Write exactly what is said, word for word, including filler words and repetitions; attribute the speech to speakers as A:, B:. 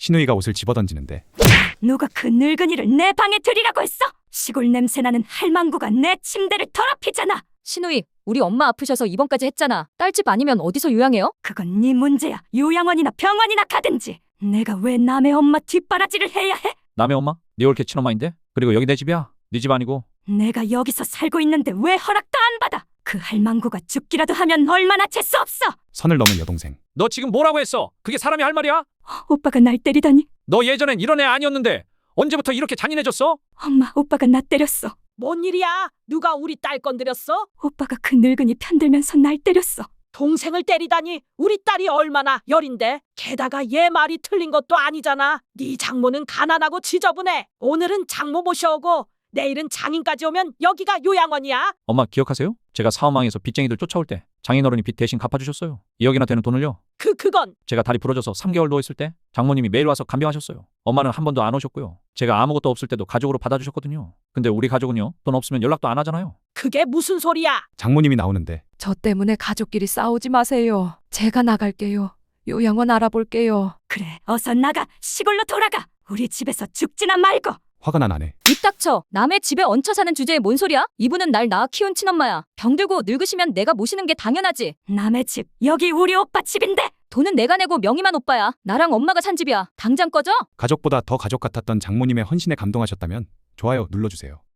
A: 신우이가 옷을 집어던지는데
B: 누가 그 늙은이를 내 방에 들이라고 했어? 시골 냄새나는 할망구가 내 침대를 더럽히잖아.
C: 신우이, 우리 엄마 아프셔서 입원까지 했잖아. 딸집 아니면 어디서 요양해요?
B: 그건 네 문제야. 요양원이나 병원이나 가든지. 내가 왜 남의 엄마 뒷바라지를 해야 해?
D: 남의 엄마? 네 올케 친엄마인데? 그리고 여기 내 집이야. 네 집 아니고.
B: 내가 여기서 살고 있는데 왜 허락도 안 받아? 그 할망구가 죽기라도 하면 얼마나 재수 없어.
A: 선을 넘은 여동생.
D: 너 지금 뭐라고 했어? 그게 사람이 할 말이야?
B: 오빠가 날 때리다니.
D: 너 예전엔 이런 애 아니었는데 언제부터 이렇게 잔인해졌어?
B: 엄마, 오빠가 나 때렸어.
E: 뭔 일이야? 누가 우리 딸 건드렸어?
B: 오빠가 그 늙은이 편들면서 날 때렸어.
E: 동생을 때리다니 우리 딸이 얼마나 열인데. 게다가 얘 말이 틀린 것도 아니잖아. 네 장모는 가난하고 지저분해. 오늘은 장모 모셔오고 내일은 장인까지 오면 여기가 요양원이야.
D: 엄마 기억하세요? 제가 사업망에서 빚쟁이들 쫓아올 때 장인어른이 빚 대신 갚아주셨어요. 이억이나 되는 돈을요.
E: 그 그건
D: 제가 다리 부러져서 삼 개월 누워있을 때 장모님이 매일 와서 간병하셨어요. 엄마는 한 번도 안 오셨고요. 제가 아무것도 없을 때도 가족으로 받아주셨거든요. 근데 우리 가족은요, 돈 없으면 연락도 안 하잖아요.
E: 그게 무슨 소리야?
A: 장모님이 나오는데
F: 저 때문에 가족끼리 싸우지 마세요. 제가 나갈게요. 요양원 알아볼게요.
B: 그래, 어서 나가. 시골로 돌아가. 우리 집에서 죽지나 말고.
A: 화가 난 아내.
C: 입 닥쳐. 남의 집에 얹혀 사는 주제에 뭔 소리야? 이분은 날 낳아 키운 친엄마야. 병들고 늙으시면 내가 모시는 게 당연하지.
B: 남의 집, 여기 우리 오빠 집인데.
C: 돈은 내가 내고 명의만 오빠야. 나랑 엄마가 산 집이야. 당장 꺼져.
A: 가족보다 더 가족 같았던 장모님의 헌신에 감동하셨다면 좋아요 눌러주세요.